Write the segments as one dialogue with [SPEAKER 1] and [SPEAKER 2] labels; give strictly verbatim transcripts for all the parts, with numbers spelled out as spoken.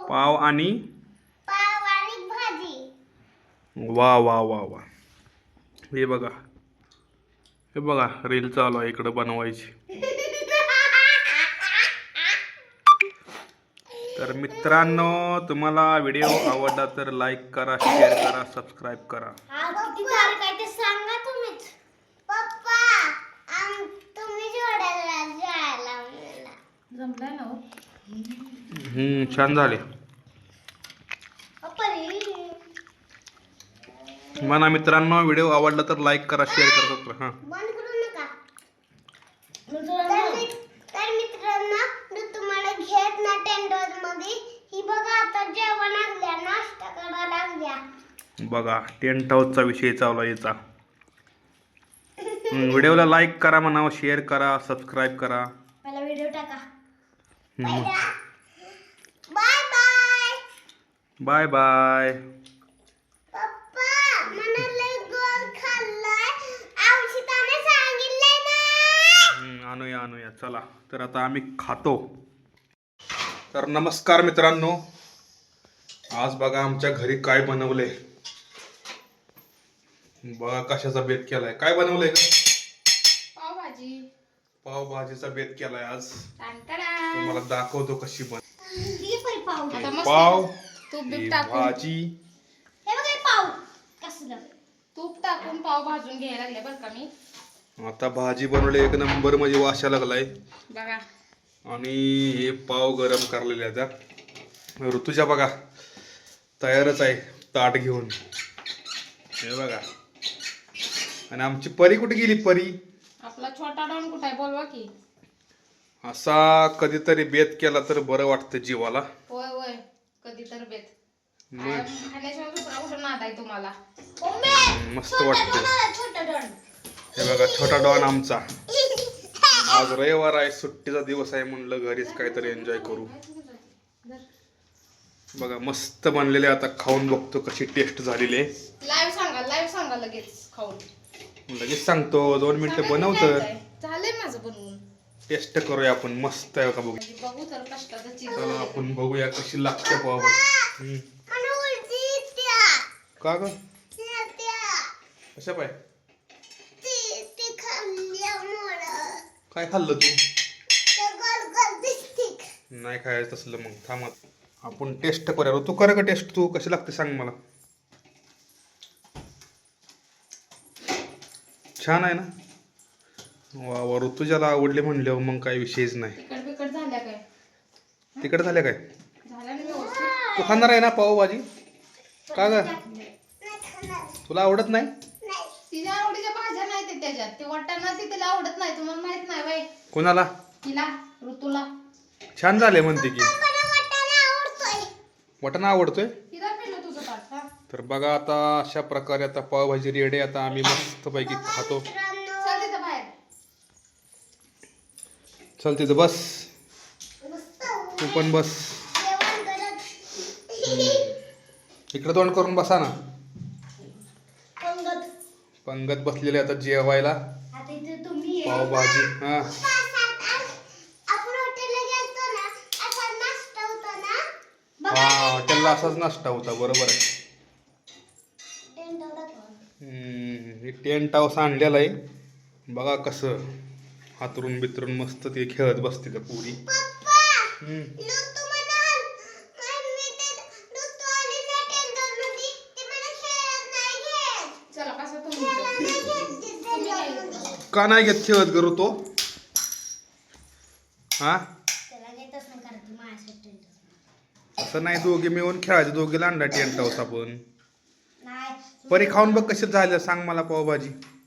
[SPEAKER 1] पाव आणि
[SPEAKER 2] पाव आणि भाजी.
[SPEAKER 1] वा वा वा वा. हे बघा हे बघा रील चालू आहे इकडं बनवायची. तर मित्रांनो, तुम्हाला व्हिडिओ आवडला तर लाईक करा, शेअर करा, सबस्क्राईब करा.
[SPEAKER 2] किती तारीख आहे ते सांगा तुम्हीच. पप्पा आम तुम्ही जोडायला जायला मला
[SPEAKER 3] जमलाय ना हो.
[SPEAKER 1] हम्म छान झाले. म्हणा मित्रांनो, व्हिडिओ आवडला तर लाईक करा, शेअर करा, सबस्क्राईब. हां
[SPEAKER 2] बंद करू नका. तर मित- तर मित्रांनो, मी तुम्हाला घेत ना टेंट हाऊस मध्ये. ही बघा आता जेवण लागल्या, नाश्ता करायला लागल्या.
[SPEAKER 1] बघा टेंट हाऊसचा विषय चालू आहे याचा. व्हिडिओला लाईक करा म्हणा, शेअर करा, सबस्क्राईब करा.
[SPEAKER 2] मला व्हिडिओ टाका.
[SPEAKER 1] हम्म.
[SPEAKER 2] Bye bye.
[SPEAKER 1] Bye bye.
[SPEAKER 2] Papa मला लय गोड खाल्लंय. औषधाने सांगितलंय ना.
[SPEAKER 1] हम्म, आणूया आणूया चला. तर आता आम्ही खातो. तर नमस्कार मित्रांनो, आज बघा आमच्या घरी काय बनवलंय. बघा कशाचा बेत केलाय. काय बनवलंय का?
[SPEAKER 3] पावभाजी.
[SPEAKER 1] पावभाजीचा बेत केलाय आज.
[SPEAKER 3] टांटाडा.
[SPEAKER 1] तुम्हाला दाखवतो कशी बन.
[SPEAKER 2] ही पण पाव.
[SPEAKER 3] आता मस्त
[SPEAKER 1] पाव
[SPEAKER 3] तूप
[SPEAKER 1] ही
[SPEAKER 3] बीप टाकून
[SPEAKER 1] भाजी.
[SPEAKER 2] हे बघा हे पाव कसलं.
[SPEAKER 3] तूप टाकून पाव भाजून घ्यायला लागले बरं का मी.
[SPEAKER 1] आता भाजी बनवली एक नंबर, म्हणजे वाशा लागलाय.
[SPEAKER 3] बघा
[SPEAKER 1] आणि हे पाव गरम करलेले आता. ऋतूच्या बघा तयारच आहे ताट घेऊन. हे बघा. आणि आमची परी कुठे गेली? परी
[SPEAKER 3] आपला छोटा डॉन कुठे आहे बोलवा की.
[SPEAKER 1] असा कधीतरी बेत केला तर बरं वाटतं जीवाला.
[SPEAKER 3] होय होय कधी तर बेत.
[SPEAKER 1] मग
[SPEAKER 3] खाण्याशिवाय दुसरा कुठं नाद आहे तुम्हाला.
[SPEAKER 1] मस्त वाटतं.
[SPEAKER 2] छोटा डॉन.
[SPEAKER 1] हे बघा छोटा डॉन आमचा. आज रविवार आहे, सुट्टीचा दिवस आहे, म्हणलं घरीच काहीतरी एन्जॉय करू. बघा मस्त बनलेले. आता खाऊन बघतो कशी टेस्ट झालेली आहे.
[SPEAKER 3] लाईव्ह सांगा लाईव्ह सांगा लगेच खाऊन.
[SPEAKER 1] लगेच सांगतो, दोन मिनिटं
[SPEAKER 3] सांगायचं
[SPEAKER 1] बनवतं.
[SPEAKER 3] काय काय? झालंय माझं बनवून.
[SPEAKER 1] टेस्ट करूया आपण. मस्त आहे का बघू.
[SPEAKER 3] बघू तर कष्टाचं चीज.
[SPEAKER 1] चला आपण बघूया कशी लागते पावभाजी. हम्म.
[SPEAKER 2] मला उलटी येत्या.
[SPEAKER 1] का ग?
[SPEAKER 2] येत्या.
[SPEAKER 1] कशा पाय?
[SPEAKER 2] ती ती खाल्ल्यामुळं
[SPEAKER 1] काय खाल्लं तू?
[SPEAKER 2] ते गोल गोल दिसते.
[SPEAKER 1] नाही खायचं तसलं. मग थांब आपण टेस्ट करूया. तू कर का टेस्ट. तू कशी लागते सांग मला. छान आहे ना. वा वा. ऋतुजाला आवडले म्हणल्यावर मग काही विषयच नाही.
[SPEAKER 3] तिकट बिकट झाल्या काय?
[SPEAKER 1] तिकडे झाल्या काय?
[SPEAKER 3] झाल्या ना व्यवस्थित.
[SPEAKER 1] तू खाणार आहे ना पावभाजी? का ग?
[SPEAKER 2] नाही खाणार.
[SPEAKER 1] तुला आवडत नाही?
[SPEAKER 2] नाही.
[SPEAKER 3] तिच्या आवडीच्या भाज्या नाही ते त्याच्यात. ते वाटाणा ती तिला आवडत नाही. तुम्हाला माहित नाही बाई.
[SPEAKER 1] कोणाला?
[SPEAKER 3] तिला ऋतूला.
[SPEAKER 1] छान झाले म्हणते की.
[SPEAKER 2] मला वाटाणा आवडतोय.
[SPEAKER 1] वाटाणा आवडतोय.
[SPEAKER 3] तिला पिलं तुझं ताट हा.
[SPEAKER 1] तर बघा आता अशा प्रकारे आता पावभाजी रेडी. आता आम्ही मस्तपैकी खातो.
[SPEAKER 2] मित्रांनो,
[SPEAKER 3] चल तिथं बाहेर.
[SPEAKER 1] चल तिथं बस.
[SPEAKER 2] मस्त
[SPEAKER 1] तू पण बस.
[SPEAKER 2] जेवण करत
[SPEAKER 1] इकडे तोंड करून बसा ना.
[SPEAKER 2] पंगत.
[SPEAKER 1] पंगत बसलेले आता जेवायला.
[SPEAKER 2] आता इथे तुम्ही
[SPEAKER 1] पावभाजी. हा
[SPEAKER 2] आपण हॉटेलला गेलतो ना, असा नाश्ता होता ना.
[SPEAKER 1] हा हॉटेलला असाच नाश्ता होता. बरोबर आहे.
[SPEAKER 2] Tent house.
[SPEAKER 1] हम्म, हे टेंट हाऊस आणलेलं आहे. बघा कसं हातरून बितरून मस्त ते खेळत बसते त्या पुरी.
[SPEAKER 2] पप्पा
[SPEAKER 1] हम्म.
[SPEAKER 2] ऋतू म्हणाल मी ते ऋतू आली ना टेंट हाऊस मध्ये, ते मला खेळत नाही घेत.
[SPEAKER 3] चला कसं तुम्ही
[SPEAKER 2] खेळत नाही घेत ते टेंट हाऊस मध्ये.
[SPEAKER 1] का नाही घेत खेळत करू तो? हा
[SPEAKER 2] त्याला घेतच नाही कारण ती माझ्यासाठी टेंट हाऊस.
[SPEAKER 1] असं नाही. दोघे मिळून खेळायचे. दोघे आणला टेंट हाऊस आपण.
[SPEAKER 2] नाही
[SPEAKER 1] परी खाऊन बघ कशी झालं सांग मला पावभाजी.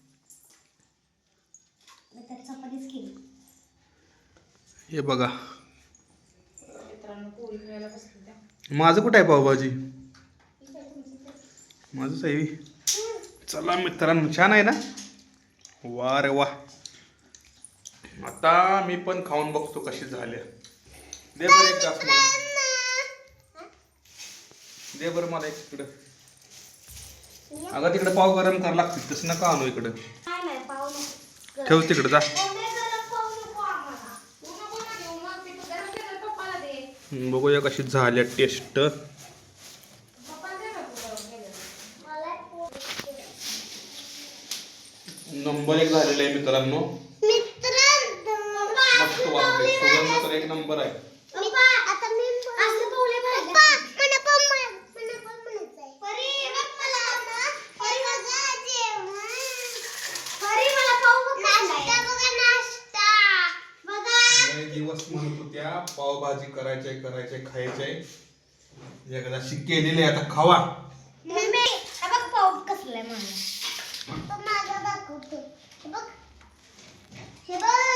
[SPEAKER 2] मी तर चपातीच केली.
[SPEAKER 1] हे बघा
[SPEAKER 3] मित्रांनो पोळी खायला बसली त्या.
[SPEAKER 1] माझं कुठं आहे पावभाजी? माझंच आहे. चला मित्रांनो छान आहे ना. वा रे वा. आता मी पण खाऊन बघतो कशी झाल्या. दे बरं एक ग्लास मला. दे बरं मला एक तिकडं. अगं तिकडे पाव गरम करावं लागतील. तसं नका आणू इकडं.
[SPEAKER 2] काय नाही पाव नको.
[SPEAKER 1] ठेव तिकडं जा.
[SPEAKER 2] मम्मी गरम पाव नको आम्हाला.
[SPEAKER 3] तू नको ना घेऊ मग. ते गरम केलं पप्पाला दे.
[SPEAKER 1] बघूया कशी झाल्या टेस्ट. नंबर एक झालेला आहे मित्रांनो.
[SPEAKER 2] मित्रांनो
[SPEAKER 1] मस्त वाटते. सुगंध तर एक नंबर आहे.
[SPEAKER 2] आता मी असं बोलले पाहिजे मला पण मला पण म्हणायचंय परी बघ मला आता परी बघा जेवण परी मला पाव नाश्ता बघा नाश्ता बघा.
[SPEAKER 1] लय दिवस म्हणत होत्या पावभाजी करायचंय करायचंय खायचंय. एकदाशी केलेली आहे आता खावा.
[SPEAKER 2] मम्मी हा बघ पाव कसलाय मला तो माझा दाखवतो हे बघ हे बघ